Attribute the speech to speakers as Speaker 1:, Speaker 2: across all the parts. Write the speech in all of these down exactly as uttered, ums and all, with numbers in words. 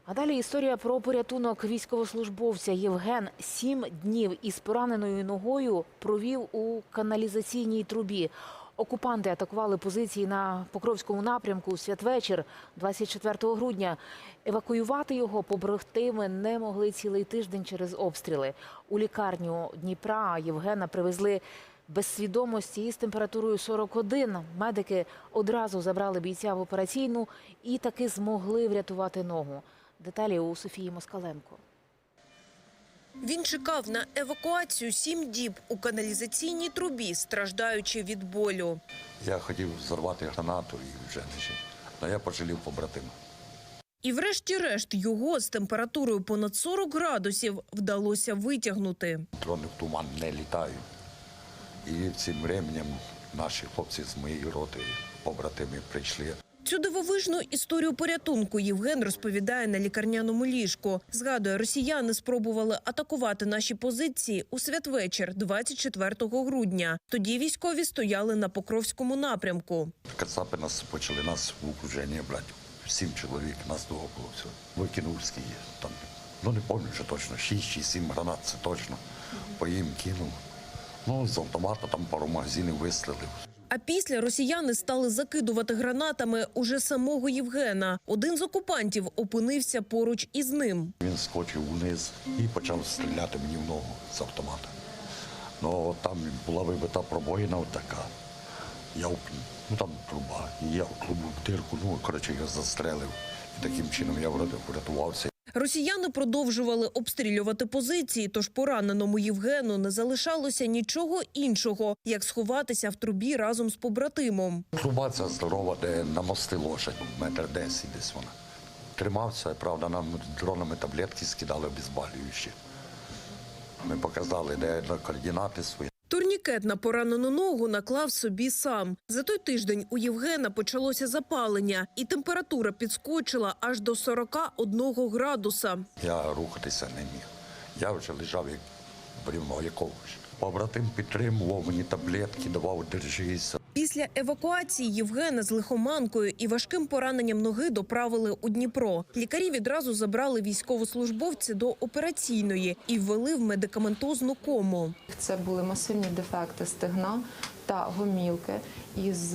Speaker 1: А далі історія про порятунок військовослужбовця. Євген сім днів із пораненою ногою провів у каналізаційній трубі. Окупанти атакували позиції на Покровському напрямку у святвечір двадцять четвертого грудня. Евакуювати його побратими не могли цілий тиждень через обстріли. У лікарню Дніпра Євгена привезли без свідомості із температурою сорок один. Медики одразу забрали бійця в операційну і таки змогли врятувати ногу. Деталі у Софії Москаленко.
Speaker 2: Він чекав на евакуацію сім діб у каналізаційній трубі, страждаючи від болю.
Speaker 3: Я хотів зорвати гранату і вже не жив. Але я пожалів побратима.
Speaker 2: І врешті-решт його з температурою понад сорок градусів вдалося витягнути.
Speaker 3: Дрони в туман не літають. І цим временем наші хлопці з моєї роти, побратими, прийшли.
Speaker 2: Цю дивовижну історію порятунку Євген розповідає на лікарняному ліжку. Згадує, росіяни спробували атакувати наші позиції у святвечір двадцять четвертого грудня. Тоді військові стояли на Покровському напрямку.
Speaker 3: Кацапи нас почали нас в окруження брати. Сім чоловік, нас того було все. Викинув скільки там, ну не пам'ятаю, що точно, шість чи сім гранат, це точно. По їм кинув. Ну, з автомата там пару магазинів вистрілив.
Speaker 2: А після росіяни стали закидувати гранатами уже самого Євгена. Один з окупантів опинився поруч із ним.
Speaker 3: Він скочив вниз і почав стріляти мені в ногу з автомата. Ну, там була вибита пробоїна така. Я, ну там труба, і я в трубу в дирку, ну, коротше, його застрелив. І таким чином я врятувався.
Speaker 2: Росіяни продовжували обстрілювати позиції, тож пораненому Євгену не залишалося нічого іншого, як сховатися в трубі разом з побратимом.
Speaker 3: Труба ця здорова, де на мости лошадь, метр десять десь вона. Тримався, правда, нам дронами таблетки скидали обезболюючі. Ми показали, де координати свої.
Speaker 2: Турнікет на поранену ногу наклав собі сам. За той тиждень у Євгена почалося запалення, і температура підскочила аж до сорока одного градуса.
Speaker 3: Я рухатися не міг. Я вже лежав як брівно якогось. Побратим підтримував мені таблетки, давав держися.
Speaker 2: Після евакуації Євгена з лихоманкою і важким пораненням ноги доправили у Дніпро. Лікарі відразу забрали військовослужбовця до операційної і ввели в медикаментозну кому.
Speaker 4: Це були масивні дефекти стегна та гомілки із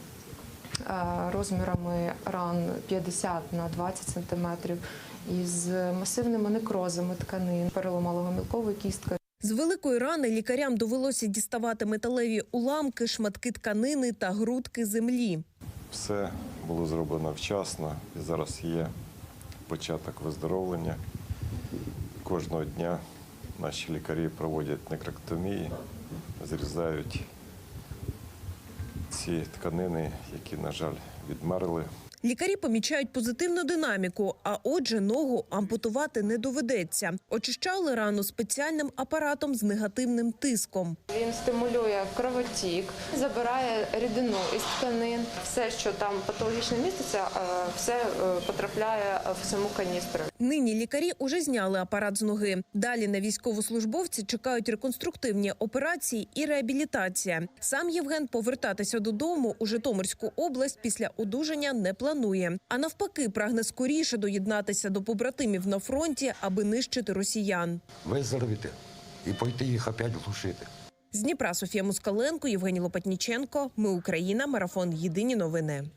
Speaker 4: розмірами ран п'ятдесят на двадцять сантиметрів, із масивними некрозами тканин, переломала гомілкову кістку.
Speaker 2: З великої рани лікарям довелося діставати металеві уламки, шматки тканини та грудки землі.
Speaker 5: Все було зроблено вчасно і зараз є початок виздоровлення. Кожного дня наші лікарі проводять некректомії, зрізають ці тканини, які, на жаль, відмерли.
Speaker 2: Лікарі помічають позитивну динаміку, а отже, ногу ампутувати не доведеться. Очищали рану спеціальним апаратом з негативним тиском.
Speaker 4: Він стимулює кровотік, забирає рідину із тканин. Все, що там патологічно міститься, все потрапляє в саму каністру.
Speaker 2: Нині лікарі уже зняли апарат з ноги. Далі на військовослужбовці чекають реконструктивні операції і реабілітація. Сам Євген повертатися додому у Житомирську область після одужання не планує. Планує. А навпаки, прагне скоріше доєднатися до побратимів на фронті, аби нищити росіян.
Speaker 3: Виздоровіти і пойти їх опять глушити.
Speaker 2: З Дніпра Софія Москаленко, Євгеній Лопатніченко. Ми Україна. Марафон. Єдині новини.